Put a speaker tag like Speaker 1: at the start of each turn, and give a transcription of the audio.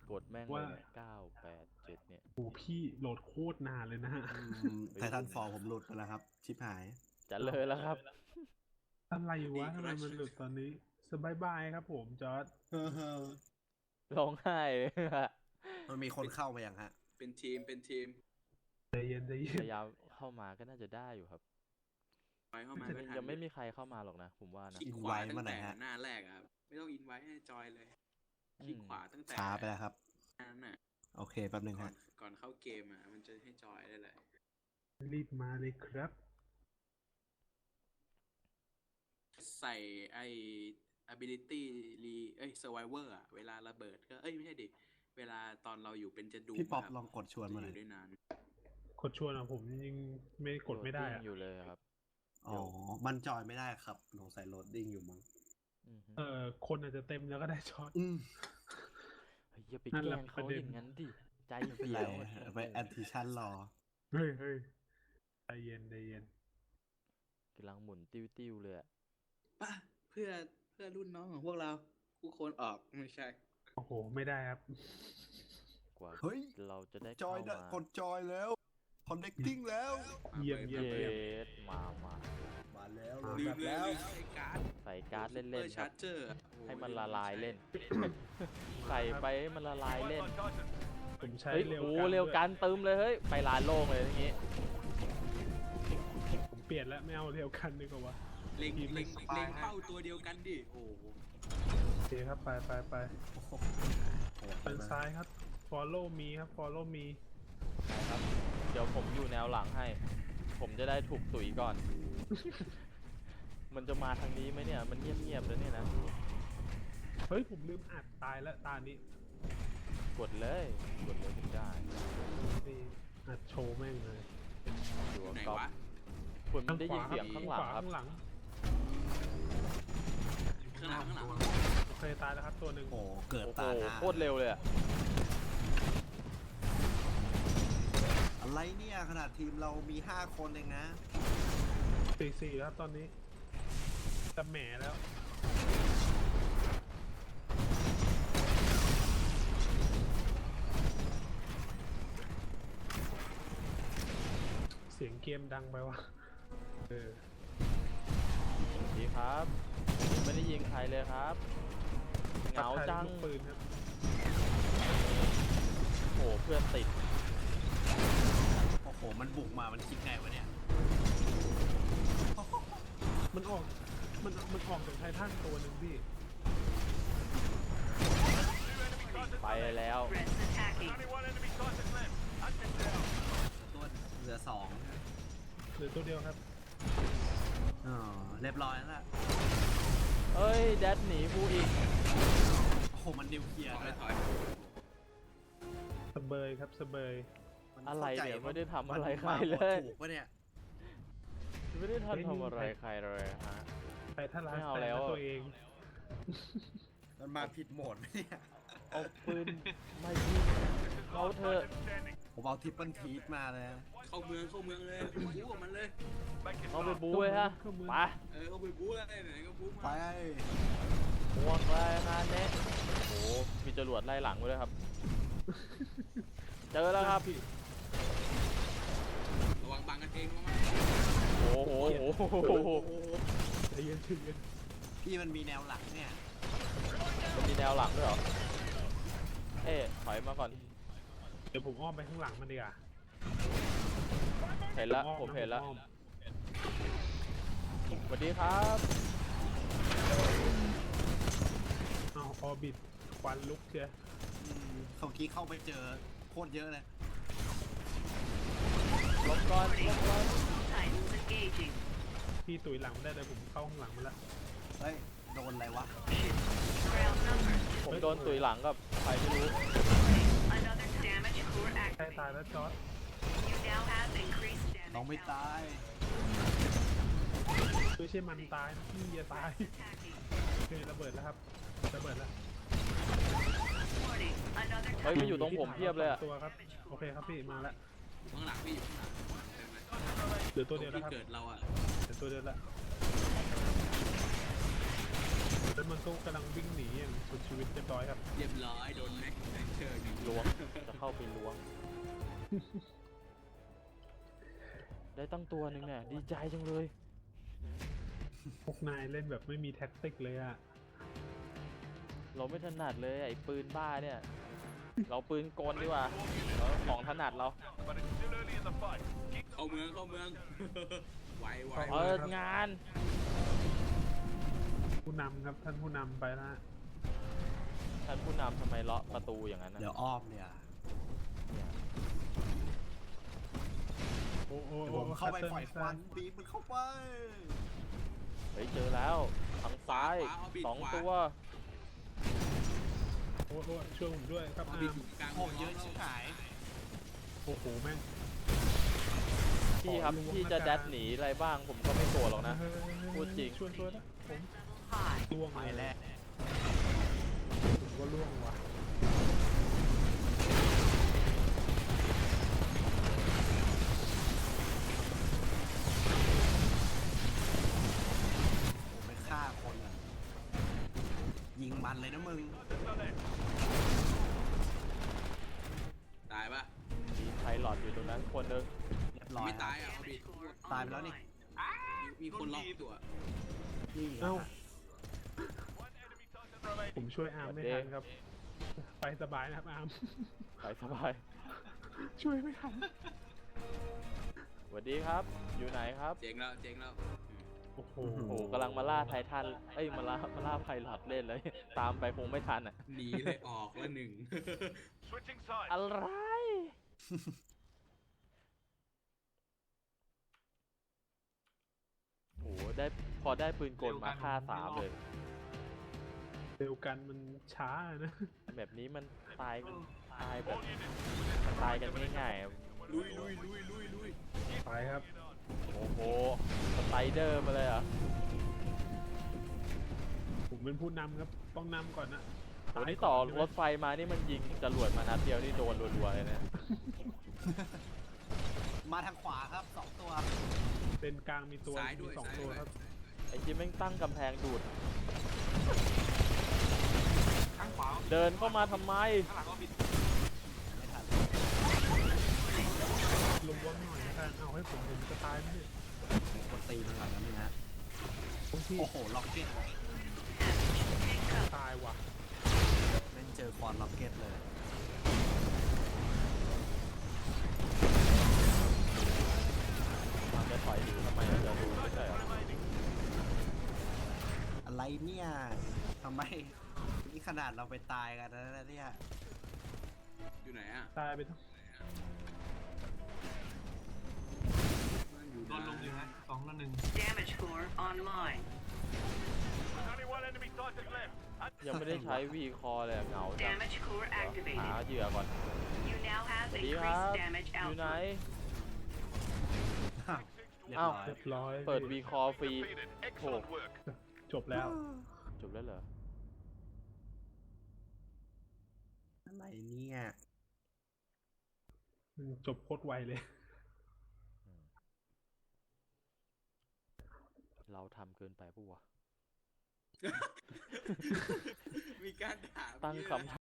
Speaker 1: กดแม่งเลยเนี่ย9 8 7เนี่ย
Speaker 2: โอ้พี่โหลดโคตรนานเลยนะฮะ
Speaker 3: ไททันฟอลผมหลุดไปแล้วครับชิบหาย
Speaker 1: จะเลยแล้วครับ
Speaker 2: อะไรวะทำไมมันหลุดตอนนี้สบายบายครับผมจอร์ด
Speaker 1: ร้องไห้เลยอะ
Speaker 3: มันมีคนเข้ามาอย่างฮะ
Speaker 4: เป็นทีม
Speaker 2: ใจเย็นใจเย็
Speaker 1: พ
Speaker 2: น
Speaker 1: ยายามเข้ามาก็น่าจะได้อยู่ครับ
Speaker 4: ไปเข้ามาไม่ทัน
Speaker 1: ยังไม่มีใครเข้ามาหรอกนะผมว่านะ
Speaker 4: คลิกขวาตั้งแต่หน้าแรกครับไม่ต้องอินไว้ให้จอยเลยคลิกขวาตั้งแต่
Speaker 3: ช้าไปแล้วครับ
Speaker 4: นั่นน่ะ
Speaker 3: โอเคแป๊บหนึง
Speaker 4: ก่อน
Speaker 3: ฮะ
Speaker 4: ก่อนเข้าเกมอ่ะมันจะให้จอยได้เลย
Speaker 2: รีบมาเลยครับ
Speaker 4: ใส่ไอ้ ability survivor อ่ะเวลาระเบิดก็ไม่ใช่ดิเวลาตอนเราอยู่เป็นจะดู
Speaker 3: พี่ป๊อปลองกดชวนมาหน่อย
Speaker 4: อยู่ได้นาน
Speaker 2: กดชวนอ่ะผมยังไม่กดไม่ได้
Speaker 1: โหล
Speaker 2: อ่ะ
Speaker 1: อยู่เลยครับ
Speaker 3: อ๋อมันจอยไม่ได้ครับลองใส่โหลดดิ้งอยู่มั้ง
Speaker 1: อือฮึ
Speaker 2: คนอาจจะเต็มแล้วก็ได้จอร์ด
Speaker 1: เฮ้ยอย่าไป
Speaker 2: นั่น
Speaker 1: แก
Speaker 2: แห
Speaker 1: ล้
Speaker 2: ละ
Speaker 1: ง
Speaker 2: ป
Speaker 1: เขา
Speaker 2: ระเด็
Speaker 1: อน ย่างนั้นดิใจ
Speaker 3: ไม่เป็น
Speaker 1: เสี
Speaker 3: ไร
Speaker 1: ยว
Speaker 3: ฮะไปแอนทิชันรอ
Speaker 2: เฮ้ยเฮ้ยใจเย็นใจเย็น
Speaker 1: กำลังหมุนติ้วๆเลยอะ
Speaker 4: ป่ะเพื่อรุ่นน้องของพวกเราทุกคนออกไม่ใช่
Speaker 2: โอ้โหไม่ได้ครับ
Speaker 1: กว่า
Speaker 3: เฮ้ย
Speaker 1: เราจะได้
Speaker 3: จอ
Speaker 1: เข้าย
Speaker 3: นะ
Speaker 1: มาก
Speaker 3: ดจอยแล้ว connecting แล้ว
Speaker 2: เยี่ยมเยี่ยม
Speaker 1: เย
Speaker 2: เยี่ยม
Speaker 1: สมา
Speaker 3: มาแล้ว
Speaker 4: ลื
Speaker 3: แบ
Speaker 4: ม
Speaker 3: บ
Speaker 4: เลย
Speaker 3: แล้ว
Speaker 4: ใช้การ์ด
Speaker 1: ใส่การ์ดเล่น
Speaker 4: เปิด
Speaker 1: ๆครั
Speaker 4: ชา
Speaker 1: บ
Speaker 4: ร์เจอร์
Speaker 1: ให้มันละลายเล่น ใส่ไปให้มันละลายเล่น
Speaker 2: ผมใช้
Speaker 1: เฮ้ย
Speaker 2: เร็ว
Speaker 1: โอ้
Speaker 2: กัน
Speaker 1: เร็ว
Speaker 2: ด้วย
Speaker 1: กันตึมเลยเฮ้ยไปลานโล่งเลยอย่างงี้
Speaker 2: ผมเปลี่ยนแล้วไม่เอาเร็วกันดีกว่าวะ
Speaker 4: เล็งเป้าตัวเดียวกันดิโอ้โห
Speaker 2: โอเคครับไปไปไป
Speaker 3: โอ้โห
Speaker 2: ทางซ้ายครับ follow me ครับ follow me
Speaker 1: นะครับ เดี๋ยวผมอยู่แนวหลังให้ ผมจะได้ถูกตุ๋ยก่อน มันจะมาทางนี้ไหมเนี่ย มันเงียบๆแล้วเนี่ยนะ
Speaker 2: เฮ้ยผมลืมอัดตายแล้วตานี้
Speaker 1: กดเลยถึงได้
Speaker 2: นี่อัดโชว์แม่งเลย
Speaker 1: อยู่กับ
Speaker 4: ไหน
Speaker 1: ก๊อฟ
Speaker 4: วะ
Speaker 1: คุณได้ยินเสียงข้างหลังครับ
Speaker 2: ข้างหลัง
Speaker 4: ข้างหลัง
Speaker 2: โอเคตายแล้วครับตัวหนึ่ง
Speaker 3: โอ้โหเกิด
Speaker 1: โอ้โห
Speaker 3: ตาหน้า
Speaker 1: โคตรเร็วเลยอะ
Speaker 3: อะไรเนี่ยขนาดทีมเรามี5 คนเองนะ
Speaker 2: 4-4แล้วครับตอนนี้จะแหมแล้วเสียงเกมดังไปวะ
Speaker 1: สวัสดีครับไม่ได้ยิงใครเลยครับเหงาจัง
Speaker 2: ลูกปืนครับ
Speaker 1: โอ้โหเพื่อนติด
Speaker 3: โอ้โหมันบุกมามันคิดไงวะเนี่ย
Speaker 2: มันออกจากไททันตัวหนึ่งพี่
Speaker 1: ไปแล้ว
Speaker 3: ตัวเหลือ2
Speaker 2: หรือตัวเดียวครับ
Speaker 3: อ๋อเรียบร้อยแล้วล่ะ
Speaker 1: เอ้ยแดดหนีกูอีก
Speaker 3: โอ้โหมันนิวเคลียร์ด้วย
Speaker 4: ถอย
Speaker 2: สเบยครับสเบย
Speaker 3: มัน
Speaker 1: อะไร
Speaker 3: ข้าใจ
Speaker 1: เนี่ย
Speaker 3: ว่า
Speaker 1: ไม่ได้ทำอะไร
Speaker 3: มัน
Speaker 1: ใครเลย
Speaker 3: ถูกปะเนี่ย
Speaker 1: ไม่ได้ทันทำอะไรใครเลยฮะ
Speaker 2: ไททันลา
Speaker 1: ไม่
Speaker 2: ส
Speaker 1: เอา
Speaker 2: แต่
Speaker 1: แล้ว
Speaker 2: ตัวเอง
Speaker 3: มันมาผิดโหมดไหมเนี่ย
Speaker 1: เอาปืนมายิงเขาเถอะ
Speaker 3: ผมเอาทริปเปิลทีสมาเลยนะ
Speaker 4: เข้าเมืองเลยบู๊กับมันเลย
Speaker 1: เอาไปบู๊เลยฮะไป
Speaker 4: เข้าไปบู๊เลยไหนก็บู๊
Speaker 3: ไป
Speaker 4: มา
Speaker 1: ห่วงเลยงานนี้โอ้โหมีจรวดไล่หลังไว้เลยครับ เจอแล้วครับ
Speaker 4: ระวังบังกันเองมาก
Speaker 1: โอ้โห
Speaker 2: ใจเย็นใจเย็น
Speaker 3: พี่มันมีแนวหลังเนี่ย
Speaker 1: มันมีแนวหลังด้วยเหรอ เอ๊ะถอยมาก่อน
Speaker 2: เดี๋ยวผมอ้อมไปข้างหลังมันดีกว่า
Speaker 1: เห็นแล้ว
Speaker 2: อ้อ
Speaker 1: ผมเห็นแล้ว
Speaker 2: อ้อม
Speaker 1: สวัสดีครับ
Speaker 2: เอาออบิทควันลุกเชีย
Speaker 3: เมื่อกี้เข้าไปเจอโคตรเยอะเลย
Speaker 1: ลบก่อนลบก่อน
Speaker 5: Titans engaging.
Speaker 2: พี่ตุ๋ยหลังมันได้เลยผมเข้าข้างหลังมันละ
Speaker 3: เฮ้ย โดนอะไรวะ
Speaker 5: Round numbers.
Speaker 1: ผมโดนตุยหลังกับใครไม่รู้
Speaker 5: Another damage core
Speaker 2: ใกล้ตาย
Speaker 5: activated.
Speaker 2: แล้วจอร์ด
Speaker 5: You now have increased
Speaker 3: น้อง
Speaker 5: damage.
Speaker 3: ไม่ตาย
Speaker 2: ไม่ใช่มันตายนะพี่อย่าตาย
Speaker 5: Attacking.
Speaker 2: เฮ้ยระเบิดแล้วครับระเบิดแล้ว
Speaker 5: Warning. Another
Speaker 1: เฮ้ยมันอยู่ตรงผมเพียบเลยอะ
Speaker 2: ตัวครับโอเคครับพี่มาแล้ว
Speaker 4: ๆข้างหลังพี่อยู่ข้างหลังเห็นไหม
Speaker 2: เหลือตัวเดียวแล้วครับ
Speaker 4: ที่เกิดเราอ่ะ
Speaker 2: เหลือตัวเดียวละแล้วมันก็กำลังวิ่งหนีอย่างสุดชีวิตเรียบร้อยครับ
Speaker 4: เรียบร้อยโดนแม็กแทงเชอร์
Speaker 1: ล้วง จะเข้าไปล้วง ได้ตั้งตัวหนึ่งเนี่ยดีใจจังเลย
Speaker 2: พวกนายเล่นแบบไม่มีแท็กติกเลยอะ
Speaker 1: เราไม่ถนัดเลยไอ้ปืนบ้าเนี่ย เราปืนกลดีกว่าเราของถนัดเรา
Speaker 4: เข้าเมืองเข้าเมือง ไหวไหว
Speaker 1: เปิดงาน
Speaker 2: ผู้นำครับท่านผู้นำไปละ
Speaker 1: ท่านผู้นำทำไมเลาะประตูอย่างนั้นนะ
Speaker 3: เดี๋ยวอ้อมเนี่ย
Speaker 2: โอ้โห
Speaker 3: เดี๋ยวผมเข้าไปปล่อยควันบีบมันเข้าไป
Speaker 1: เฮ้ยเจอแล้วทางซ้าย2 ตัว
Speaker 2: โอ้โหช่วยผมด้วยครับ
Speaker 4: เอา
Speaker 2: อา
Speaker 4: บิด
Speaker 2: ร์ม
Speaker 4: อยู่กลาง
Speaker 3: โอ้เยอะชิบหาย
Speaker 2: โอ้โหแม่ง
Speaker 1: พี่ครับ
Speaker 2: ขอล้วง
Speaker 1: พี่จะ
Speaker 2: ละกัน
Speaker 1: แดดหนีอะไรบ้างผมก็ไม่กลัวหรอกนะ
Speaker 2: เฮ้ย
Speaker 1: พูดจริง
Speaker 2: ช่วยนะผม
Speaker 5: Hi.
Speaker 2: ล่วง
Speaker 3: ไปแล้ว
Speaker 2: ผมก็ล่วงว่ะ
Speaker 3: ผมไปฆ่าคนอ่ะ ยิงมันเลยนะมึง
Speaker 4: ตายปะ
Speaker 1: มีไพลอตอยู่ตรงนั้นคนหนึง
Speaker 3: เรียบร้อย
Speaker 4: ไม่
Speaker 3: ครั
Speaker 4: ตา
Speaker 3: บ
Speaker 4: ยอ่ะเอาบิด
Speaker 5: Score
Speaker 3: ตายไปแล้วนี่
Speaker 5: online.
Speaker 4: มีคนล็อกตัว
Speaker 3: นี่ไง
Speaker 2: เอ้า
Speaker 3: ครับ
Speaker 2: ผมช่วยอาร์มไม่ทันครับ ไปสบายนะครับอาร์ม
Speaker 1: ไปสบาย
Speaker 2: ช่วยไม่ทัน
Speaker 1: สวัสดีครับ อยู่ไหนครับ
Speaker 4: เจ๋งแล้วเจ๋งแล้ว
Speaker 2: โอ้โห
Speaker 1: โอ้โหกำลังมาล่าไททันเอ้ยมาล่าไพลอตเล่นเลย ตามไปคงไม่ทันอ่ะ
Speaker 4: หนีเลยออกแล้วหนึ่ง
Speaker 1: อะไร โอ้โหได้พอได้ปืนกลมาฆ่า3เลย
Speaker 2: เร็วกันมันช้านะ
Speaker 1: แบบนี้มันตายแบบมันตายกันง่ายๆอะ
Speaker 4: ลุยลุยลุยลุยลุย
Speaker 2: ไปครับ
Speaker 1: โอ้โหสไตรเดอร์มาเลยเหรอ่ะ
Speaker 2: ผมเป็นผู้นำครับ ต้องนำก่อนนะ
Speaker 1: โอ้นี่ต่อรถไฟมานี่มันยิงจรวดมานัดเดียวนี่โดนรัวๆเลยนะ
Speaker 3: มาทางขวาครับสองตัว
Speaker 2: เป็นกลางมีตัว
Speaker 4: ซ้ายด้
Speaker 2: มี
Speaker 4: วย
Speaker 2: สอง
Speaker 4: ซ้าย
Speaker 2: ตัว
Speaker 4: ด้วย
Speaker 2: ครับ
Speaker 1: ไอ้จิมแม่งตั้งกำแพงดูด เดินเข้ามาทำไม
Speaker 3: ไม่ทัน
Speaker 2: ลงว่างหน่อยนะครับเอาให้ผมจะตายไหมเนี่ย
Speaker 3: กดตีมันก่อนนะมึงฮะ
Speaker 2: โอ้พี่
Speaker 3: โอ้โห ล็อกเก็ต
Speaker 2: ตายว่ะ
Speaker 3: เล่นเจอคอนล็อกเก็ตเลย
Speaker 1: มันจะถอยหนีทำไมเราจะดูไม่ใช่เหรอ
Speaker 3: อะไรเนี่ยทำไม นี่ขนาดเราไปตายกันแล้วนะเนี่ย
Speaker 4: อยู่ไหนอ่ะ
Speaker 2: ตายไปทั้ง
Speaker 4: อยู่
Speaker 2: โดนลงอยู่ฮะ2-1
Speaker 5: Damage score online.
Speaker 1: ยังไม่ได้ใช้วีคอเลยอะเหงาจัง
Speaker 5: Damage core
Speaker 1: หา
Speaker 5: activated.
Speaker 1: เหยื่อก่อน
Speaker 5: You now
Speaker 1: ส
Speaker 5: have
Speaker 1: วัสดีครับ
Speaker 5: increased damage
Speaker 1: อยู่ไหน
Speaker 3: อ้าวเรียบร้อย
Speaker 2: เรียบร้อย
Speaker 1: เปิดวีคอฟรีโถ
Speaker 2: จบแล้ว
Speaker 1: จบแล้วเหรอ
Speaker 3: อะไรเนี่ย
Speaker 2: จบโคตรไวเลย
Speaker 1: เราทำเกินไปปะวะ
Speaker 4: มีการถาม
Speaker 1: ตั้ง
Speaker 4: เยอะ
Speaker 1: คำ